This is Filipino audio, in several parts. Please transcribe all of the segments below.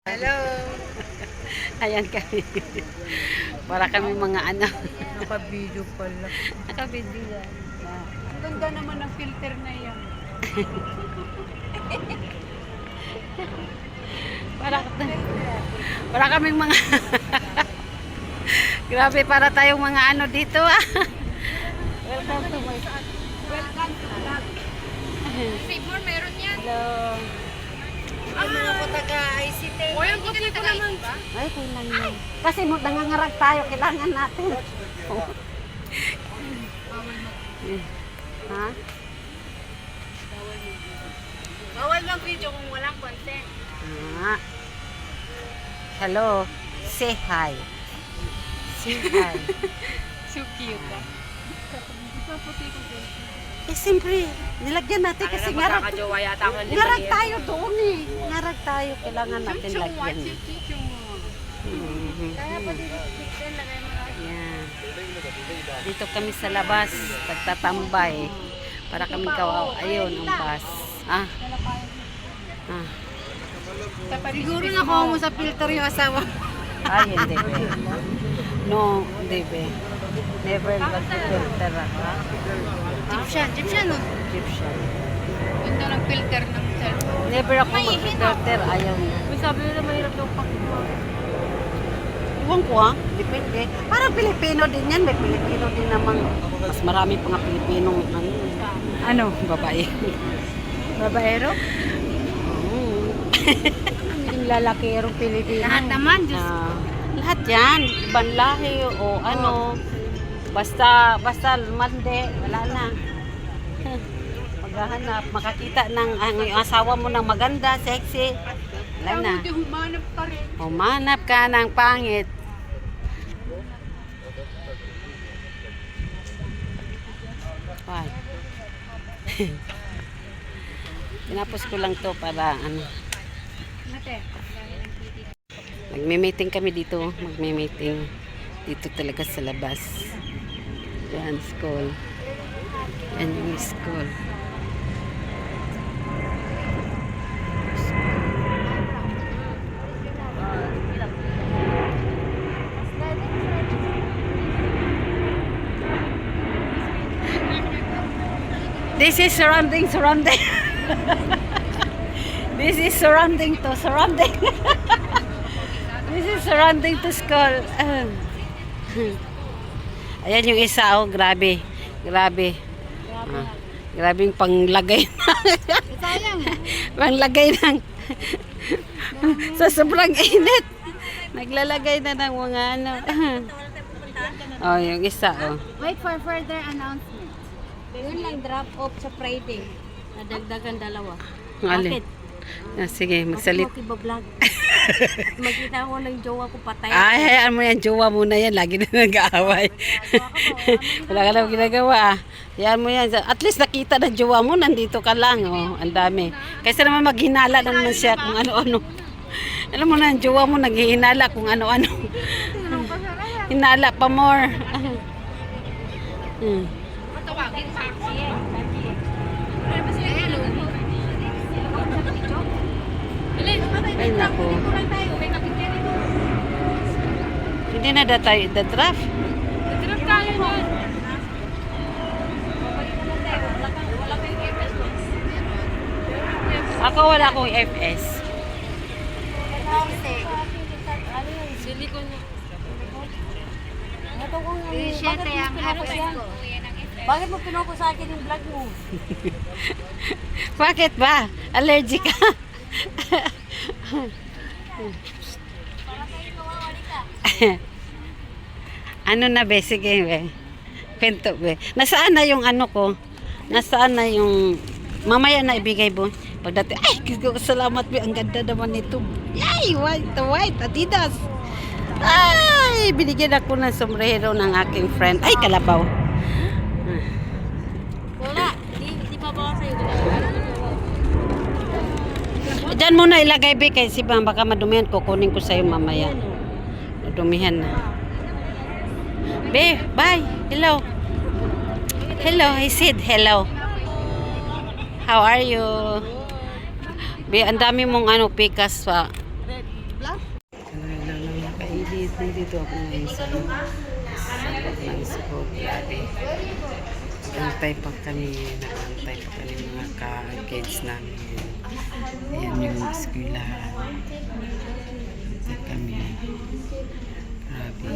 Hello. Ayan kami. Para kami mga ano. Naka-video pala. Nakabindi yan. Ang ganda naman ng filter na yan. Para kaming mga grabe, para tayong mga ano dito ah. Welcome to my Welcome to vlog. Seymour, meron yan. hello. Ano ako taga-ICT? O, yung puti ko naman. Ay, kailan yun. Kasi nangangarag tayo, kailangan natin. Ha? Bawal lang video kung walang content. Ah. Hello. Say hi. Say hi. So cute ah. Ito puti ko din. Eh, siyempre, nilagyan natin kasi ngarag yata ako tayo doon eh. Ngarag tayo, kailangan natin lagyan. Kaya pa dito pixel, lagay mo lang. Yan. Dito kami sa labas, nagtatambay. Para kami kawaw. Ayun, ang bus. Ah. Ah. Siguro nakuha mo sa filter yung asawa. Ay, hindi be. No, hindi be. Never mag-filter ako. Egyptian no? Egyptian. Ganda ng filter ng cellphone. Never ako mag-filter. Ayaw niya. May sabi nila mahirap daw pakita. Iwan ko ah. Depende. Parang Pilipino din yan. May Pilipino din namang. Mas marami pa nga Pilipinong ano, babae. Babaero? Oo. Yung lalakirong Pilipino. Lahat naman, Diyos. Lahat yan. Ibang lahi o ano. Basta mande, wala na. Maghahanap, makakita ng yung asawa mo ng maganda, sexy. Wala na. Humanap pa rin. Humanap ka ng pangit. Why? Tinapos ko lang to para ano. Magme-meeting kami dito. Magme-meeting dito talaga sa labas. Yan, school. Yan yung school. This is surrounding. This is surrounding to surrounding. This is surrounding to school. Ayan yung isa, oh, grabe. Grabe. Grabing panglagay Sayang. panglagay ng sa sobrang init. Naglalagay na ng mga ano. Oh, yung isa, oh. Wait for further announcement. Yun lang drop off sa Friday. Nadagdagan dalawa. Alin? Ah, sige, magsalit. Bakit mo vlog? Magkita ko ng jowa ko patay. Ay, hayaan mo yan. Jowa muna yan. Lagi na nag-aaway. Wala ka lang ginagawa. Ah. Hayaan mo yan. At least nakita na jowa mo. Nandito ka lang. Oh, ang dami. Kaysa naman maghinala na naman siya kung ano-ano. Alam mo na, ang jowa mo naghihinala kung ano-ano. Hinala pa more. Patawagin pa ako. Ay, naku. Hindi na tayo draft. Drop tayo nun. Ako wala akong FS. Silikon niya. Siete ang FS ko. Bakit mo pinuko sa akin yung vlog mo? Bakit ba? Allergic ka? Ano na be? Sige be. Pento be. Nasaan na yung ano ko? Nasaan na yung mamaya na ibigay mo? Pagdating, ay, salamat be. Ang ganda naman nito. Yay! White Adidas. Ay! Binigyan ako ng sombrero ng aking friend. Ay, kalabaw. Wala. Di pa ba sa'yo? Diyan muna ilagay be kasi baka madumihan, kukunin ko sa'yo mamaya. Madumihan na. Be, bye. Hello. Hello, I said hello. How are you? Be, ang dami mong ano, pikas pa. Nandito ako ngayon sa loob ng school. Grabe. Nagantay pa kami. Nagantay pa kami mga ka-kids namin. Ayan yung eskwelahan. Nagantay kami. Grabe.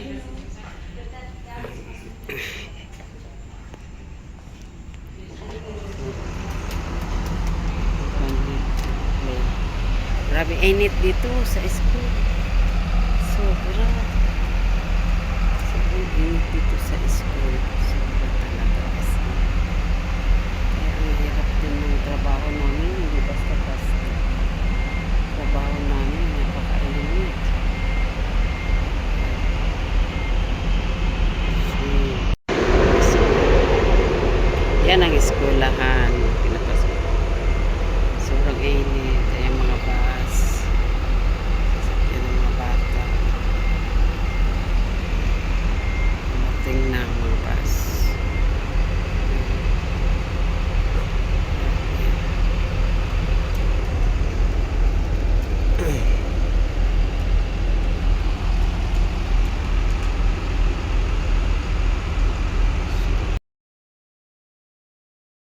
Grabe init dito sa school. Sobra. Sobrang init dito sa school. Sobra talaga kasi. Kaya ang hirap din ng trabaho namin. Hindi basta